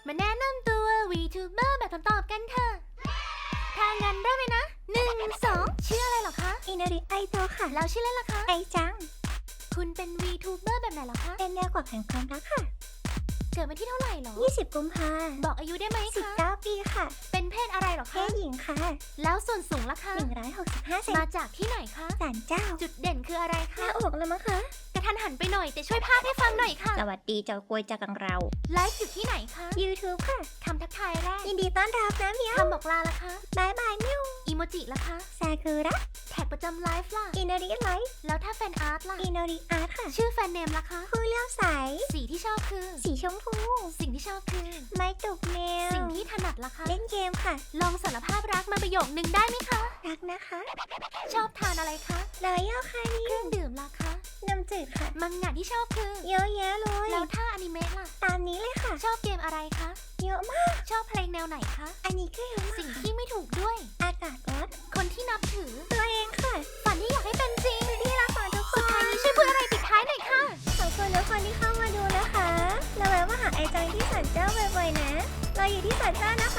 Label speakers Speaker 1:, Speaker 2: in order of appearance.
Speaker 1: มาแนะนำตัว VTuber แบบคำตอบกันเถอะถ้างั้นเริ่มเลยนะ1 2ชื่ออะไรเหรอคะ
Speaker 2: อินาริไอโตค่ะ
Speaker 1: แล้วชื่อเล่นล่ะคะ
Speaker 2: ไอจัง
Speaker 1: คุณเป็น VTuber แบบไหนเหรอคะ
Speaker 2: เป็นแนวกว่าแห่งความรักค่ะ
Speaker 1: เกิดวันที่เท่าไหร่เหรอ
Speaker 2: 20 กุมภา
Speaker 1: บอกอายุได้ไหมคะ
Speaker 2: 19 ปีค่ะ
Speaker 1: เป็นเพศอะไรเหรอ
Speaker 2: เพ
Speaker 1: คะ
Speaker 2: ศหญิงค่ะ
Speaker 1: แล้วส่วนสูงล่ะคะ
Speaker 2: 165 เซน
Speaker 1: มาจากที่ไหนคะ
Speaker 2: ศาลเจ้า
Speaker 1: จุดเด่นคืออะไร
Speaker 2: หน้า
Speaker 1: คะ
Speaker 2: อกแล้วมั้งคะ
Speaker 1: กระทันหันไปหน่อยแต่ช่วยพากย์ให้ฟังหน่อยค่ะ
Speaker 2: สวัสดีเจ้ากวยจากกังเรา
Speaker 1: ไลฟ์อยู่ที่ไหนคะ
Speaker 2: YouTube ค่ะ
Speaker 1: คำทักทายแรก
Speaker 2: ยินดีต้อนรับนะเมียว
Speaker 1: คำบอกลาล่ะคะ
Speaker 2: บายบายมิว
Speaker 1: อีโมจิล่ะคะ
Speaker 2: ซากุระ
Speaker 1: แท็กประจำไลฟ์ล่ะ
Speaker 2: อินาริไลท์
Speaker 1: แล้วถ้าแฟนอาร์ตล่ะ
Speaker 2: อินาริอาร์ตค่ะ
Speaker 1: ชื่อแฟนเนมล่ะคะ
Speaker 2: ผู้เลี้ยวใส
Speaker 1: สีที่ชอบคือ
Speaker 2: สีชมพู
Speaker 1: สิ่งที่ชอบคือ
Speaker 2: ไม้ตุกแมว
Speaker 1: สิ่งที่ถนัดล่ะคะ
Speaker 2: เล่นเกมค่ะ
Speaker 1: ลองสารภาพรักมาประโยคนึงได้ไหมคะ
Speaker 2: รักนะคะ
Speaker 1: ชอบทานอะไรคะ
Speaker 2: รอยย่อค่ะนี่
Speaker 1: เครื่องดื่มล่ะคะ
Speaker 2: น้ำจืดค่ะ
Speaker 1: มังงะที่ชอบคือ
Speaker 2: เยอะแยะเลย
Speaker 1: แล้วถ้าอนิเมะล่ะ
Speaker 2: ตามนี้เลยค่ะ
Speaker 1: ชอบเกมอะไรคะ
Speaker 2: เยอะมาก
Speaker 1: ชอบเพลงแนวไหนคะ
Speaker 2: อันนี้ก็เยอะมาก
Speaker 1: สิ่งที่ไม่ถูกด้วย
Speaker 2: อากาศร้อน
Speaker 1: คนที่นับถือ
Speaker 2: ตัวเองค่ะ
Speaker 1: ฝันที่อยากให้เป็นจริง
Speaker 2: ที่รักของทุกค
Speaker 1: สุด
Speaker 2: น
Speaker 1: ท้ายนี้ช่วยพูดอะไรปิดท้ายหน่อยค่ะ
Speaker 2: ขอบคุณทุกคนที่เข้ามาดูนะคะ แล้วแวะมาหาไอจังที่ศาลเจ้าบ่อยๆนะ เราอยู่ที่ศาลเจ้านะคะ